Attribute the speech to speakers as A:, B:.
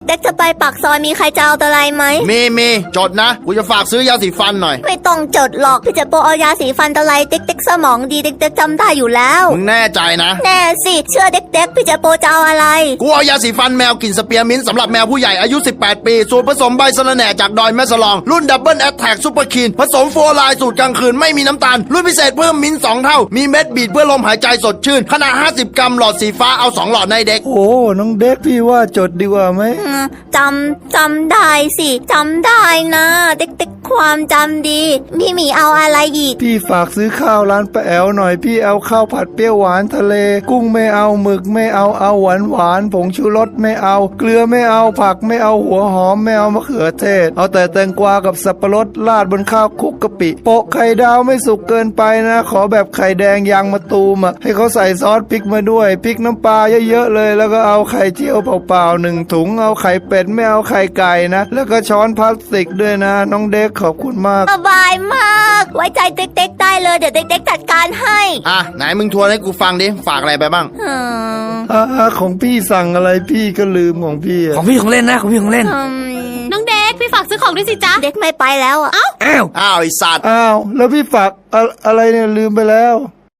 A: ด็กๆจะไปปากซอยมีใครจะเอาอะไรไหม
B: มีจดนะกูจะฝากซื้อยาสีฟันหน่อย
A: ไม่ต้องจดหรอกพี่เจโปเอายาสีฟันอะไรเด็กๆสมองดีเด็กๆจำได้อยู่แล้ว
B: มึงแน่ใจนะ
A: แน่สิเชื่อเด็กๆพี่เจโปจะเอาอะไร
B: กูเอายาสีฟันแมวกลิ่นสเปียร์มินต์สำหรับแมวผู้ใหญ่อายุ18ปีสูตรผสมใบสะระแหน่จากดอยแม่สลองรุ่นดับเบิลแอทแทกซุปเปอร์คีนผสมโฟร์ไลน์สูตรกลางคืนไม่มีน้ำตาลรุ่นพิเศษเพิ่มมิ้นท์2เท่ามีเม็ดบีดเพื่อลมหายใจสดชื่นขนาด50 กรัมหลอดสีฟ้าเอา2หลอดในเด็ก
C: โอ้น้องเด็กพี่ว่าจดดีกว่าไหม
A: จำได้สิจำได้นะเด็กๆความจำดีพี่หมีเอาอะไรอีก
C: พี่ฝากซื้อข้าวร้านป้าแอวหน่อยพี่เอาข้าวผัดเปรี้ยวหวานทะเลกุ้งไม่เอาหมึกไม่เอาหวานผงชูรสไม่เอาเกลือไม่เอาผักไม่เอาหัวหอมไม่เอามะเขือเทศเอาแต่แตงกวากับสับปะรดราดบนข้าวคลุกกะปิโปะไข่ดาวไม่สุกเกินไปนะขอแบบไข่แดงยางมะตูมให้เขาใส่ซอสพริกมาด้วยพริกน้ำปลาเยอะๆเลยแล้วก็เอาไข่เจียวเปล่าๆ1 ถุงเอาไข่เป็ดไม่เอาไข่ไก่นะแล้วก็ช้อนพลาสติกด้วยนะน้องเด็กขอบคุณมาก
A: สบายมากไว้ใจเด็กๆได้เลยเดี๋ยวเด็กๆจัดการให้
B: ไหนมึงทวนให้กูฟังดิฝากอะไรไปบ้าง
C: ของพี่สั่งอะไรพี่ก็ลืมของพี่
D: ของพี่ของเล่นนะของพี่ของเล่น
E: น้องเด็กพี่ฝากซื้อของด้วยสิจ๊ะ
A: เด็กไม่ไปแล้ว
B: อ้าวไอสัตว์
C: แล้วพี่ฝากอะไรเนี่ยลืมไปแล้ว